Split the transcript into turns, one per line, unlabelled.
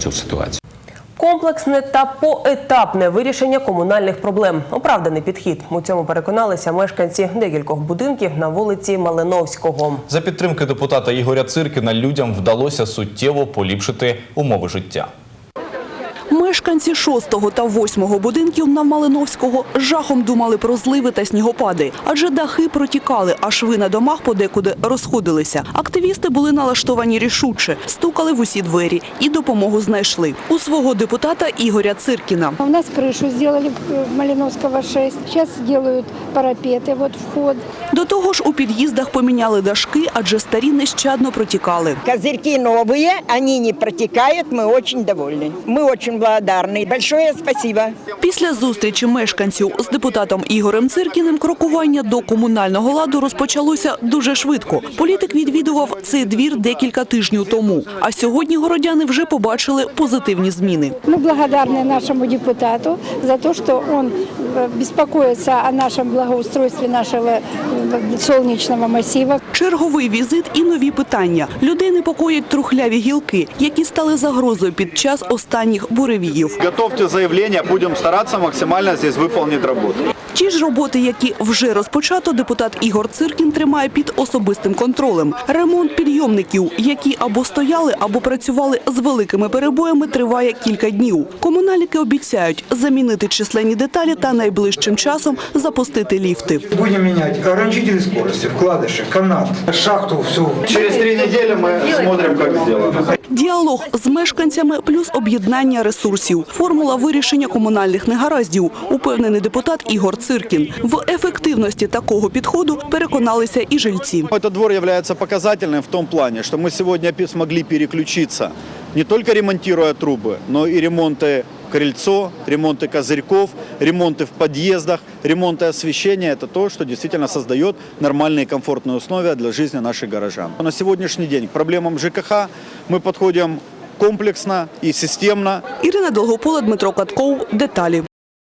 цю ситуацію.
Комплексне та поетапне вирішення комунальних проблем. Оправданий підхід. У цьому переконалися мешканці декількох будинків на вулиці Малиновського.
За підтримки депутата Ігоря Циркіна людям вдалося суттєво поліпшити умови життя.
Мешканці 6-го та 8-го будинків на Малиновського з жахом думали про зливи та снігопади. Адже дахи протікали, а шви на домах подекуди розходилися. Активісти були налаштовані рішуче, стукали в усі двері і допомогу знайшли. У свого депутата Ігоря Циркіна.
У нас крышу сделали в Малиновского 6. Сейчас делают парапеты, вот вход.
До того ж у під'їздах поміняли дашки, адже старі нещадно протікали.
Козырьки новые, они не протекают, мы очень довольны. Мы очень благодарны. Большое спасибо.
Після зустрічі мешканців з депутатом Ігорем Циркіним крокування до комунального ладу розпочалося дуже швидко. Політик відвідував цей двір декілька тижнів тому. А сьогодні городяни вже побачили позитивні зміни.
Мы благодарны нашему депутату за то, что он беспокоится о нашем благоустройстве нашего солнечного массива.
Черговий візит і нові питання. Людей непокоять трухляві гілки, які стали загрозою під час останніх буревіїв.
Готовьте заявление, будем стараться максимально здесь выполнить работу.
Ті ж роботи, які вже розпочато, депутат Ігор Циркін тримає під особистим контролем. Ремонт підйомників, які або стояли, або працювали з великими перебоями, триває кілька днів. Комунальники обіцяють замінити численні деталі та найближчим часом запустити ліфти.
Будем менять ограничители скорости, вкладыши, канат, шахту, все.
Через 3 недели мы смотрим, как сделано.
Діалог з мешканцями плюс об'єднання ресурсів. Формула вирішення комунальних негараздів, упевнений депутат Ігор Циркін. В ефективності такого підходу переконалися і жильці.
Этот двор является показательным в том плане, что мы сегодня смогли переключиться, не только ремонтируя трубы, но и ремонты крыльцо, ремонты козырьков, ремонты в подъездах, ремонты освещения – это то, что действительно создает нормальные и комфортные условия для жизни наших горожан. На сегодняшний день к проблемам ЖКХ мы подходим комплексно и системно.
Ірина Долгопола, Дмитро Катков. Деталі.